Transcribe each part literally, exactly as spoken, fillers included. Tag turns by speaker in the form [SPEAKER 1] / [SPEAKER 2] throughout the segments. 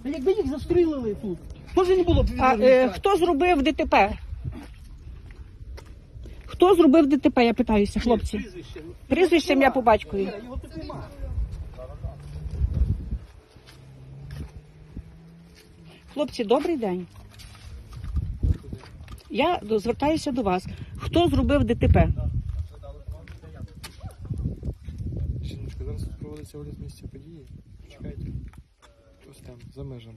[SPEAKER 1] Та якби їх застрілили тут, теж не було б
[SPEAKER 2] А е, хто зробив ДТП? Хто зробив ДТП, я питаюся, хлопці?
[SPEAKER 1] Прізвище.
[SPEAKER 2] Прізвище, я по батькові.
[SPEAKER 1] Його тут нема.
[SPEAKER 2] Хлопці, добрий день. Я звертаюся до вас. Хто зробив ДТП?
[SPEAKER 3] Жіночка, зараз проводиться огляд місця події. Чекайте. Ось там, за межами.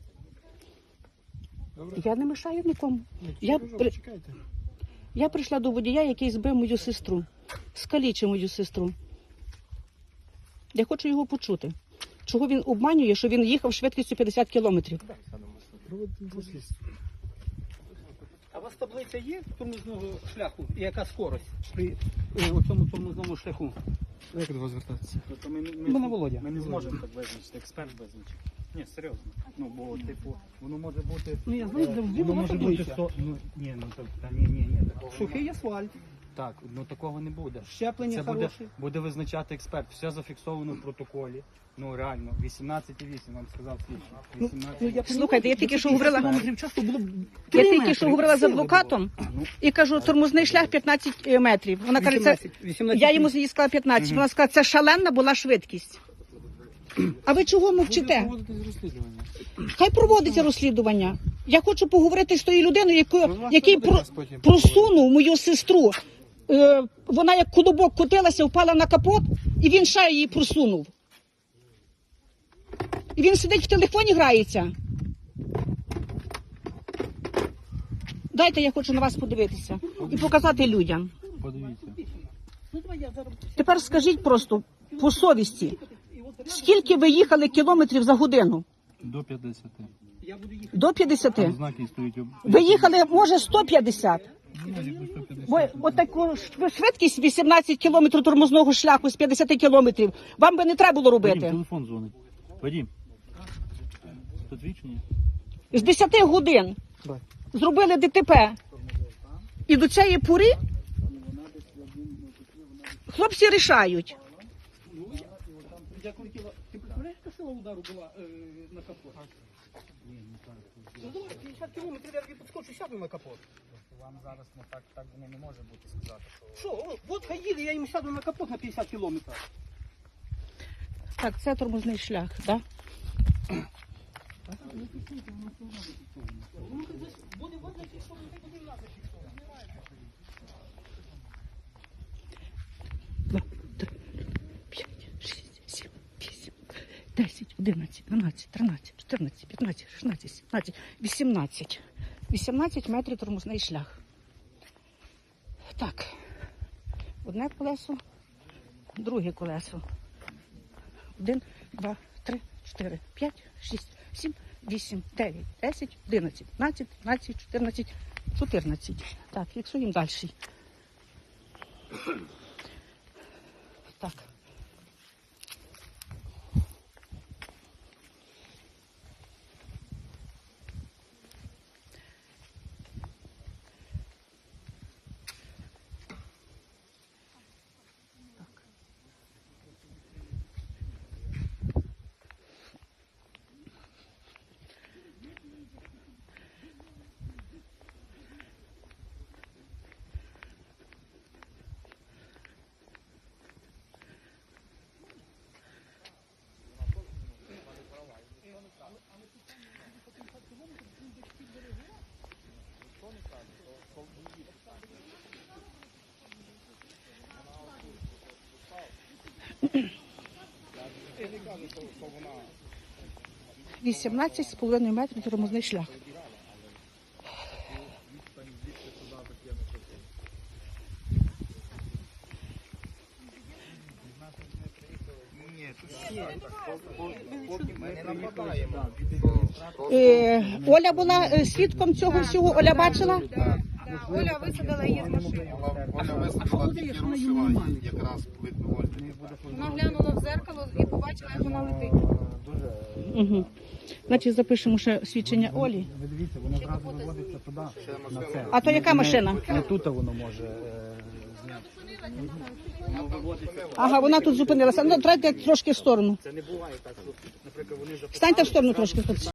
[SPEAKER 3] Добре?
[SPEAKER 2] Я не мешаю нікому.
[SPEAKER 3] Ну,
[SPEAKER 2] Я,
[SPEAKER 3] кажу,
[SPEAKER 2] при...
[SPEAKER 3] Чекайте.
[SPEAKER 2] я прийшла до водія, який збив мою сестру. Скалічив мою сестру. Я хочу його почути. Чого він обманює, що він їхав швидкістю п'ятдесят кілометрів?
[SPEAKER 3] Проводимо дослідство.
[SPEAKER 1] А у вас таблиця є тормозного шляху? І яка скорость при е, оцьому тормозному шляху?
[SPEAKER 3] Як до вас звертатися?
[SPEAKER 4] Тобто ми, ми,
[SPEAKER 1] Мене Володя.
[SPEAKER 4] ми не зможемо так визначити, експерт визначить. Ні, серйозно. Ну, бо, типу, воно може бути...
[SPEAKER 1] Ну я знаю,
[SPEAKER 4] е,
[SPEAKER 1] завжди
[SPEAKER 4] воно
[SPEAKER 1] була
[SPEAKER 4] може бути...
[SPEAKER 1] таблиця.
[SPEAKER 4] сто- Ну, ні, ну, так, та, ні, ні, ні, такого
[SPEAKER 1] Сухий асфальт,
[SPEAKER 4] Так, ну такого не буде.
[SPEAKER 1] щеплення
[SPEAKER 4] Це буде,
[SPEAKER 1] хороше.
[SPEAKER 4] буде визначати експерт. Все зафіксовано в протоколі. Ну, реально, вісімнадцять і вісім, вам сказав слідчий. вісімнадцять.
[SPEAKER 2] Слухайте, я тільки що говорила,
[SPEAKER 1] Кілометрів часто було б
[SPEAKER 2] я
[SPEAKER 1] три
[SPEAKER 2] тільки
[SPEAKER 1] метри,
[SPEAKER 2] що говорила з
[SPEAKER 1] сили
[SPEAKER 2] адвокатом
[SPEAKER 4] Ну,
[SPEAKER 2] і кажу, тормозний шлях п'ятнадцять метрів. Вона каже, це...
[SPEAKER 1] вісімнадцять, вісімнадцять.
[SPEAKER 2] Я йому їй сказала п'ятнадцять. Вона сказала, це шалена була швидкість. А ви чого
[SPEAKER 3] Буде
[SPEAKER 2] мовчите?
[SPEAKER 3] проводитись розслідування.
[SPEAKER 2] Хай проводиться розслідування. Я хочу поговорити з тою людиною, яку, який про,
[SPEAKER 3] Нас потім
[SPEAKER 2] просунув мою сестру. Е, вона як колобок котилася, впала на капот, і він ще її просунув. І він сидить в телефоні, грається. Дайте, я хочу на вас подивитися і показати людям.
[SPEAKER 3] Подивіться.
[SPEAKER 1] Ну, давай я зараз...
[SPEAKER 2] Тепер скажіть просто по совісті, скільки ви їхали кілометрів за годину?
[SPEAKER 3] До п'ятдесят.
[SPEAKER 1] Я буду їхати.
[SPEAKER 2] До п'ятдесяти?
[SPEAKER 3] Знаки стоїть. об-
[SPEAKER 2] Ви їхали, може, сто п'ятдесят?
[SPEAKER 3] Ну, якби сто п'ятдесят.
[SPEAKER 2] Бо отаку швидкість вісімнадцять кілометрів тормозного шляху з п'ятдесят кілометрів вам би не треба було
[SPEAKER 5] Вадим,
[SPEAKER 2] робити.
[SPEAKER 5] телефон дзвонить. Вадим. Підвічення?
[SPEAKER 2] З десяти годин зробили ДТП. І до цієї пори хлопці рішають.
[SPEAKER 1] Я крутила. Ти представляєш, яка сила удару була е, на капот? Ну давай, п'ятдесят кілометрів, я тобі підскочу, сяду на капот.
[SPEAKER 4] вам зараз ну, так, так воно не може бути сказати, що...
[SPEAKER 1] Що, о, от хай їде, я їм сяду на капот на п'ятдесят кілометрів.
[SPEAKER 2] Так, це тормозний шлях, так?
[SPEAKER 1] Буде вот зафіксовано, так буде нас зафіксовано.
[SPEAKER 2] Два, три, п'ять, шість, сім, вісім, десять, одинадцять, дванадцять, тринадцять, чотирнадцять, п'ятнадцять, шістнадцять, сімнадцять, вісімнадцять. вісімнадцять метрів тормозний шлях. Так. Одне колесо, друге колесо. Один, два, три, чотири, п'ять, шість, сім, вісім, дев'ять, десять, одинадцять, дванадцять, тринадцять, чотирнадцять, чотирнадцять. Так, фіксуємо далі. Так. вісімнадцять з половиною метрів тормозний шлях. Е, Оля була е, свідком цього всього, Оля бачила?
[SPEAKER 6] Оля висадила її з машини.
[SPEAKER 1] Вона висадила тільки рушила,
[SPEAKER 7] якраз видно Ольгу.
[SPEAKER 6] Вона глянула в зеркало і побачила, як вона летить.
[SPEAKER 2] Угу. Значить, запишемо ще свідчення Олі.
[SPEAKER 4] Ви дивіться, воно зразу виводиться туди, на це.
[SPEAKER 2] А то яка машина?
[SPEAKER 4] Не тут воно може е, зняти.
[SPEAKER 2] Ага, вона тут зупинилася. Ну, трайте трошки в сторону.
[SPEAKER 4] Це не буває так, що, наприклад, вони
[SPEAKER 2] Станьте в сторону трошки.